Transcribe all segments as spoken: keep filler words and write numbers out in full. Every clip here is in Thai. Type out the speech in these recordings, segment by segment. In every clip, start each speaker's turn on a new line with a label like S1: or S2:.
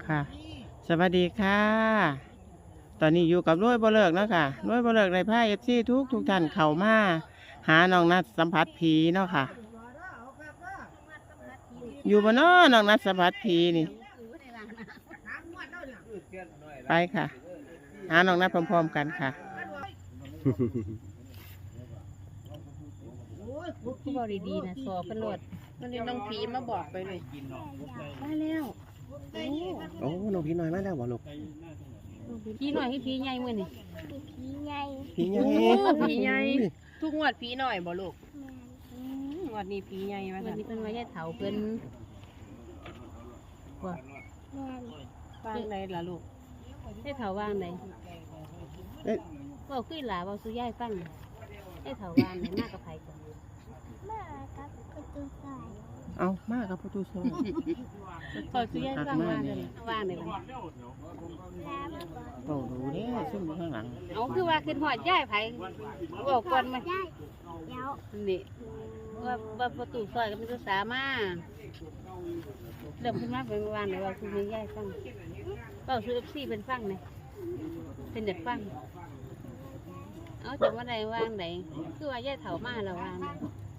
S1: ค่ะสวัสดีค่ะตอนนี้อยู่กับร้อยบ่เลิกแล้วค่ะร้อยบ่เลิกในผ้าเอฟซีทุกทุกท่านเข้ามาหาน้องนัดสัมผัสผีเนาะค่ะอยู่บ่เนาะน้องนัดสัมผัสผีนี่ไปค่ะหาน้องนัดพร้อมๆกันค่ะ
S2: ผู้บริดีนะสอบกันโหลดมันเลยน้องผีมาบอกไปเลยได้แล้ว
S3: โอ้น้องพี่น้อยมาแล้วบ่ลูก
S2: ผีหน่อยให้ผีใหญ่มื้อนี่
S4: ผีใหญ่
S3: พี่ใหญ่
S2: ผีใหญ่ทุกงวดผีหน่อยบ่ลูกงวดนี้ผีใหญ่มาวันนี้เพิ่นว่าย่าเฒ่าเพิ่นว่า
S4: แม่น
S2: วางใดล่ะลูกย่าเฒ่าวางใด
S3: เอ๊ะ
S2: เว้าคือหลาเว้าสู่ยายฟังย่าเฒ่าวางใดมากับไผก่อน
S4: มากับประตูสาย
S1: เอามากับประตูซอย
S2: ขอสู่ยายฟังวางกันวางได้บ่
S4: แล้วมาบอก
S1: โอ้ดูเด้ซุ่มอยู่ข้างหลัง
S2: เอาคือว่าขึ้นฮอดยายไผเว้าก่อนมา
S4: ได้เดี๋ยว
S2: นี่ว่าว่าประตูซอยก็เป็นภาษามาเริ่มขึ้นมาเป็นวานไหนว่าคือไม่ย่ายฟังเป้าซื้อเอฟซีเป็นฟังไหนเป็นเด็กฟังเอาจากว่าใดว่างไหนคือว่าย่ายเถามาแล้ววาง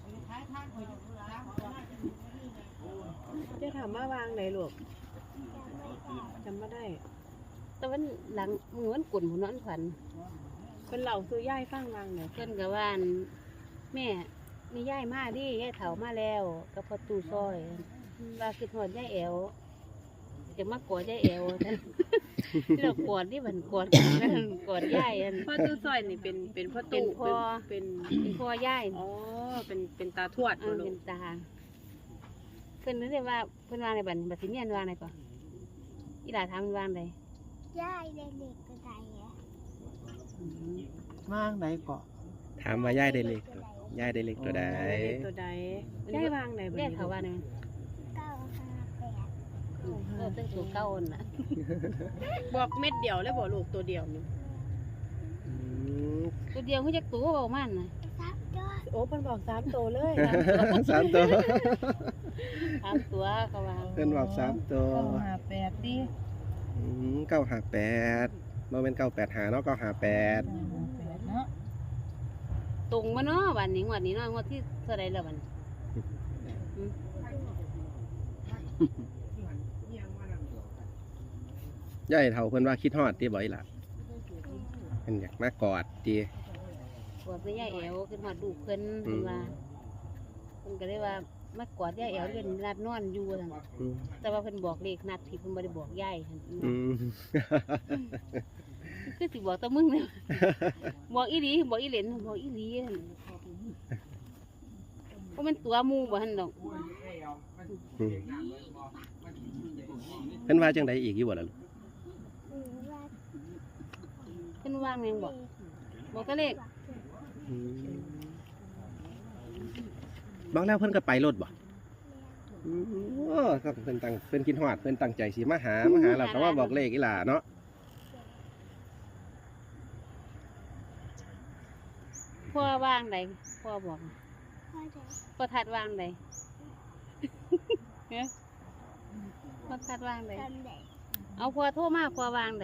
S2: จะถามว่าวางไหนลูกจำไม่ได้แต่วันหลังมือวันกุ่นหัวนอนฝันเป็นเหล่าซื้อย่ายฟังวางไหนเพื่อนกับว่านแม่มีย่ายมาดิย่ายเถามาแล้วกับประตูซอยว่าคือหอดย่ายแอวจะมากอดย่ายแอวท่านเรากอดนี่มันกอดกันกอดย่ายอัน
S5: พ่อตู้ซอยนี่เป็นเป็นพ่อ
S2: เป็น
S5: ตู้
S2: พ่อ
S5: เป็น
S2: เป็นพ่อย่าย
S5: อ๋อเป็นเป็นตาทวด
S2: เออ
S5: ลู
S2: เป็
S5: ก
S2: นตาเพิ่นนึกได้ว่าเพิ่นวางในบัตรบัตรสิเมียนวางในก่อนอีหลาถามมันวางใด
S4: ย่ายเด็กๆก็ได้อะ
S1: ว่างไหนเกาะ
S3: ถามว่าย่ายได้เล็กตัวย่ายได้เล็กตัวใด
S5: เด็กตัวใดได้วางไหนบ่
S2: แยกเขาว่าใน
S4: เก้าห้าแปด
S2: เออตั้งตัวเก้าอันน่ะ
S5: บอกเม็ดเดียวแล้วบอกลูกตัวเดียวนี่
S3: อืม
S2: ตัวเดียวเขาจะตัวเบามันน่ะ
S4: ซับยอด
S5: โอ้เพิ่นบอกสามตัวเลย
S3: สามตัว
S2: ถามตัวก็ว่า
S3: เพื่อนบอกสามตัว
S5: ห้าแปดดิ
S3: อืมเก้าห้าแปดโมเป็นเก้าแปดหาเนาะเก้าห้าแปด
S5: แปดเนาะ
S2: ตรงมาเนาะวันนี้งวันนี้เนาะงวดที่เท่าไรแล้ววันอืม
S3: ย่ายเท่าเพื่อนว่าคิดฮอดตีบ่อยล่ะเพิ่นอยากมากอดตี
S2: กอดไปย่ายแอวขึ้นหอดดูกเพิ่นเพิ่นว่าเพิ่นก็เลยว่ามากอดย่ายแอวเล่นนัดนอนอยู่ซั่น
S3: อืม
S2: แต่ว่าเพิ่นบอกเลขนัดผิดเพิ่นบ่ได้บอกย่ายหั่น
S3: อืม
S2: คือสิบอกแต่มึงเนี่ย บอกอีหลีบอกอีเหลนบอกอีหลีหั่นเพราะมันตัวหมูบ่หั่นดอก
S3: อืมเพิ่นว่าจังใดอีกอยู่บ่ล่ะลูก
S4: หรือว่า
S2: เพิ่นว่างแม่งบอกบอกแต่เลข
S3: อืมบอกแล้วเพิ่นก็ไปรถบ่อืมโอ้ครับเพิ่นตั้งเพิ่นคิดฮอดเพิ่นตั้งใจสิมาหามาหาเราก็ว่าบอกเลขอีหล่าเนาะ
S2: พ่อว่างใดพ่อบอก
S4: พ่อจะ
S2: พ่อทัดว่างใด เฮ้ยพ่อทัดว่างใด
S4: ทำได้
S2: เอาพ่อโทรมาพ่อว่างใด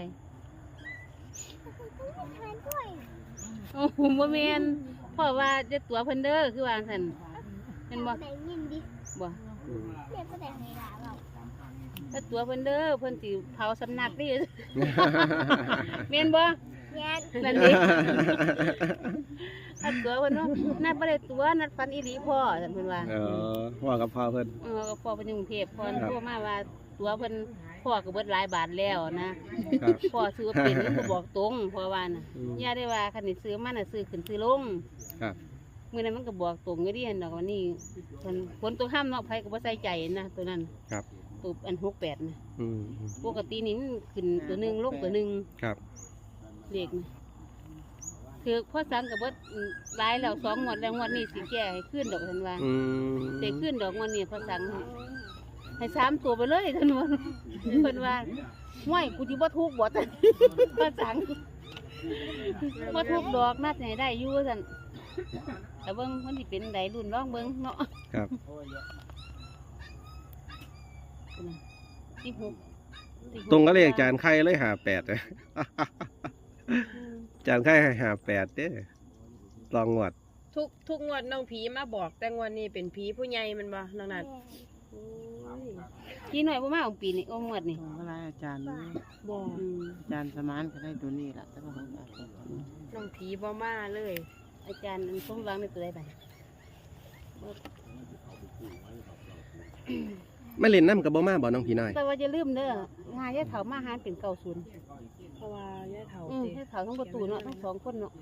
S4: ต้องมีทานด้วย
S2: โอ้โหบ่แม่นพ่อว่าจะตัวเพิ่นเด้อคือว่าซั่นเห็นบ่
S4: ได้ยินดิ
S2: บ่
S4: เรียกก็ได้เวลาเรา
S2: ถ้าตัวเพิ่นเด้อเพิ่นสิเผาสำนักดิแม่นบ่
S4: แย่น
S2: นั่นดิถ้าตัวเพิ่นเนาะนัดบ่ได้ตัวนัดฟันอีหลีพ่อซั่นเพิ่นว่า
S3: เออพ่อกับพ่อเพิ่น
S2: เออก็พ่อเพิ่นอยู่กรุงเทพพ่อ
S3: ครับ
S2: โทรมาว่าตัวเพิ่นพ่อก็เบิดหลายบาทแล้วนะครับ พ่อซื้อเป็นก็บอกตรงพ่อว่าน่ะ
S3: อืม
S2: ย่าได้ว่าคันสิซื้อมันน่ะซื้อขึ้นซื้อลง
S3: ครับ
S2: มื้อนั้นมันก็บอกตรงอยู่ดิหั่นดอกวันนี้เพิ่นฝนตกห้ามเนาะไผก็บ่ใส่ใจนะตัวนั้น
S3: ครับ
S2: ตัวอันหกแปดนะ
S3: อืม
S2: ปกตินี่มันขึ้นตัวหนึงลงตัวหนึง
S3: ครับ
S2: เลขนะคือพ่อสังก็บ่หลายแล้วสองงวดแล้วงวดนี้สิแก้ให้ขึ้นดอกเพิ่นว่า
S3: อืม
S2: สิขึ้นดอกงวดนี้พ่อสังให้ให้สามตัวไปเลยท่านว่าเพิ่นว่าห้วยกูสิบ่ทุกข์บ่ท่านพ่อสังบ่ทุกข์ดอกนัดให้ได้อยู่ซั่นแต่เบิ่งมันสิเป็นใดรุ่นร้องเบิ่งเนาะ
S3: ครับ
S2: สิบหก
S3: ตรงก็เลขอาจารย์ไข่เลยหาแปด
S2: อืม
S3: อาจารย์ไข่ให้หาแปดเด้ลองงวด
S5: ทุกทุกงวดน้องผีมาบอกแต่งวดนี้เป็นผีผู้ใหญ่แมันบ่น้องนัด
S2: พี่หน่อยบ่มาของปีนี้โอ้หมดนี่
S1: ของอะไรอาจารย์นี่
S2: บ่
S5: อืม
S1: อาจารย์สมานก็ได้ตัวนี้ล่ะแต่ว่าของอาจารย์
S5: น้องผีบ่มาเลย
S2: อาจารย์อันสมหวังในตัวใดไป
S3: ไม่เล่นน้ำกับบ่มาบ่น้องพี่น้อย
S2: แต่ว่าจะลืมเด้องานยายเฒ่ามาหารเป็นเก้าศูนย์
S5: เพราะว่าย่าเฒ่า
S2: อืม
S5: ติ
S2: ยายเฒ่าทั้งประตูเนาะทั้งสองคนเนาะ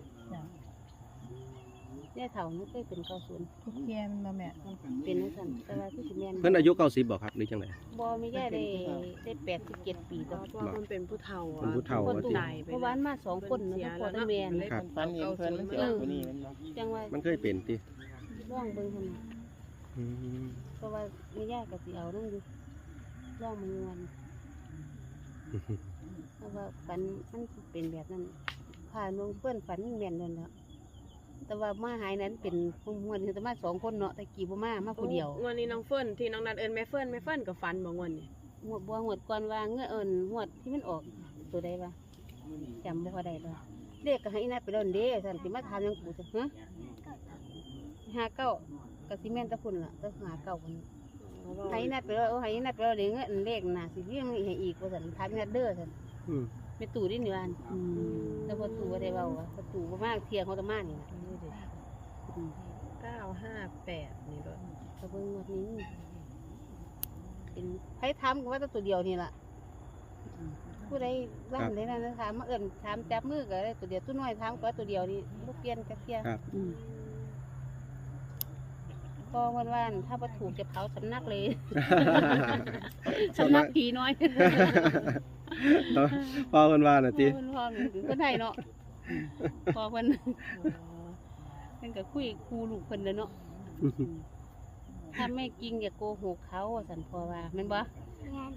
S2: ยายเฒ่านี่เคยเป็นเก้าศูนย์
S5: ทุกเทียนมาแม่
S2: เป็นจังซั่นแต่ว่าคือสิแม่น
S3: เพิ่นอายุเก้าสิบบ่ครับหรือจังได
S2: บ่มียายได้ได้แปดสิบเจ็ดปีต่อ
S5: เพราะว่าเพิ่นเป็นผู้เฒ่า
S3: เป็นผู้เฒ่า
S2: ประ
S3: ว่า
S2: ตู
S3: ติ
S5: ตายไป
S2: เพราะว่าอันมาสองคนเนาะทั้งพ่อทั้งแม่น่ะ
S3: ครับ
S1: ฝันเห็นเพิ่นมันสิออกตัวนี้แมันบ่
S2: จังว่า
S3: มันเคยเป็นติ
S2: ลองเบิ่งหั่นน่ะ
S3: อืม
S2: เพราะว่าแม่ยายก็สิเอานำอยู่ลองมันวันเพราะว่าฝันมันเป็นแบบนั้นผ่านลงเพื่อนฝันแม่นนั่นแหละแต่ว่ามาหายนั้นเป็นพวกมวนแต่มาสองคนเนาะแต่กี่บ่มามาผู้เดียว
S5: งวดนี้น้องเฟิร์นที่น้องนัดเอิ้นแม่เฟิร์นแม่เฟิร์นก็ฝันบ่งวดนี้
S2: หวดบัวหวดก่อนว่าเงื่อเอิญหวดที่มันออกตัวใดวะจำบ่ค่อยได้เลยเลขก็ให้นัดไปแล้วเด้สันติมาทานยังกูจะฮะห้าเก้ากับซีเมนต์ตะพุ่นล่ะตะหาเก้าคนให้นัดไปแล้วให้นัดไปแล้วเดี๋ยวเงื่อเลขน่ะสิเรียงให้อีกว่าสันทานนัดเด้อสัน
S3: อืม
S2: ไม่ตู่ดิหนวานแล้วพอตู่บ่ได้เบาอะพอตู่บ่มากเที่ยงเขาตะมานี่นะอืม
S5: เก้าห้าแปดนี่ด้วย
S2: กระเบื้องวันนี้เป็นใครทำก็ว่าแต่ตัวเดียวนี่ล่ะผู้ใดร่างได้นั่นนะถามมาเอิ่นถามจับมือก็ได้ตัวเดียวตัวน้อยถามก็ว่าตัวเดียวนี่ลูกเปลี่ยนจักเที่ย
S3: ครับ
S2: อืมพอวันวานถ้าประถูกจะเผาสำนักเลย สำนักผีน้อย
S3: พอเพิ่นว่าน่ะติ
S2: พอเพิ่นพอถึงคนไทยเนาะพอเพิ่นเพิ่นก็คุยครูลูกเพิ่นเด้อเนาะถ้าไม่จริงอย่าโกหกเขาว่าสันพ่อว่าแม่นบ่
S4: งาน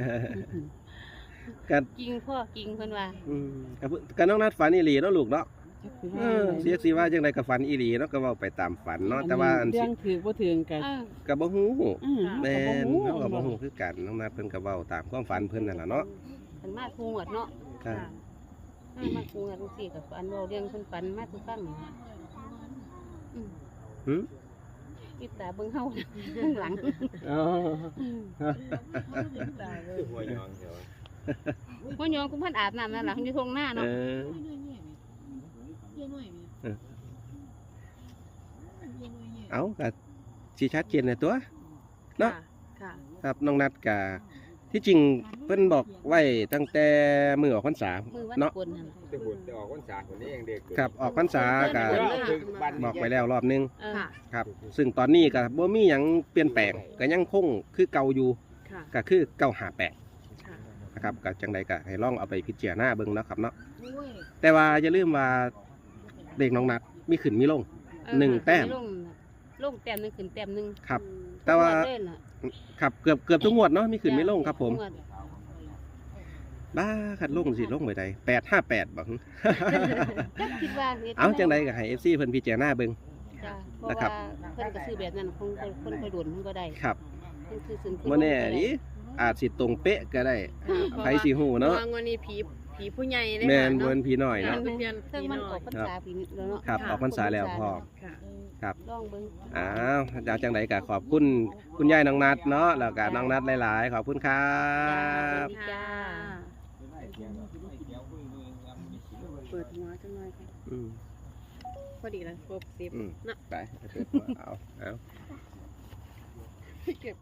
S3: กัน
S2: จริงพ่อจริงเพิ่นว่า
S3: อืมกับเพิ่นกับน้องนัดฝันอีหลีเนาะลูกเนาะเออเสียสิว่าจังไดก็ฝันอีหลีเนาะก็เว้าไปตามฝันเนาะแต่ว่าอันสิ
S1: เรื่องถือบ่ถึงกัน
S2: เออ
S3: ก็บ่ฮู้
S1: อืม
S3: แม่
S1: ก็
S3: น
S1: บ่
S3: เฮาก็บ่
S1: ฮู้
S3: ฮู้คือกันน้องนัดเพิ่นก็เว้าตามความฝันเพิ่นนั่นล่ะเนาะ
S2: เพิ่นมาคูงวดเนาะ
S3: ครับ
S2: มามาคูงวดจังซี่ก็อันเว้าเรื่องเพิ่นฝันมาสู่ฟังนี่อืม
S3: หึ
S2: อีตาเบิ่งเฮาข้างหลัง
S3: อ๋อ
S2: อืม
S5: ตายเลย
S2: บ่ยอมกูเพิ่นอาบน้ำนั่นล่ะอยู่ทงหน้า
S3: เอ
S2: เนาะ
S3: อเอาก็สิชัดเจนในตัว เนาะ
S5: ค่ะ
S3: ครับน้องนัดกะที่จริงเพิ่นบอกไว้ตั้งแต่มือออกพรรษา
S2: มือวัน
S3: เนาะ
S2: กลนั่นล่ะ
S6: จะบุญจะออกวันษาคนนี้เองเด็ก
S3: ครับออกพรรษากะ
S2: เพิ่น
S6: ถึงวัน
S3: บอกไปแล้วรอบนึง
S2: เออ
S5: ค่ะ
S3: ครับ ซึ่งตอนนี้ก็บ่มีหยังเปลี่ยนแปลงก็ยังคงคือเก่าอยู่
S5: ค่ะ
S3: ก็คือเก้าห้าแปด
S5: ค่ะ
S3: นะครับก็จังใดก็ให้ลองเอาไปพิจารณาเบิ่งเนาะครับเนาะแต่ว่าอย่าลืมว่าเลขน้องนัดมีขึ้นมีลง
S2: เออ
S3: หนึ่งแต้ม
S2: ลงน่ะลงแต้มหนึงขึ้นแต้มหนึง
S3: ครับ แต่ว่า
S2: เล่นล่ะ
S3: ครับเกือบเกือบทุกงวดเนาะมีขึ้นมีลงครับผม
S2: งวด
S3: บ้าขัดลงสิลงไปใดแปดห้าแปดบ่
S2: จักคิดว่าฮ็ด
S3: เอาจังใดก็ให้ เอฟ ซี เพิ่นพิจารณาเบิ่ง
S2: จ้ะเพราะ
S3: นะครับ
S2: ว่าเพิ่นก็ซื้อแบบนั้นคงคนค่อยโดนเพิ่นก็ได้
S3: ครับ
S2: เพิ่นซื้อซื้อ
S3: บ่แน่ดิอาจสิตรงเป๊ะก็ได้ ไผสิฮู้เนาะ
S5: พระว่งวดนี้ผีผีผู้ใหญ่เลย
S3: แม่น
S5: ค่ะ
S3: บ่เป็นพี่น้อย
S2: เ
S3: เนาะ
S5: ทะเบียน
S2: ซึ่ง
S5: ผี
S2: มัน
S5: น้
S2: อ
S5: อ
S2: อย กพรรษาปีนี้แล้วเนาะ
S3: ครับออกพรรษาแล้วพ่อ
S5: ค่ะ
S3: ครับ
S2: ลองเบิ่ง
S3: อ้าวจากจังใดก็ขอบคุณคุณยายน้องนัดเนาะแล้วก็น้องนัดหลายๆ ขอบคุณครับ
S2: จ้า
S5: เปิดหัวจังเลยค่ะ
S3: อืม
S5: พอดีแล้วครบสิบ
S3: อืม
S5: เนาะ
S3: ไปเอาเอาเอา
S5: เก็บ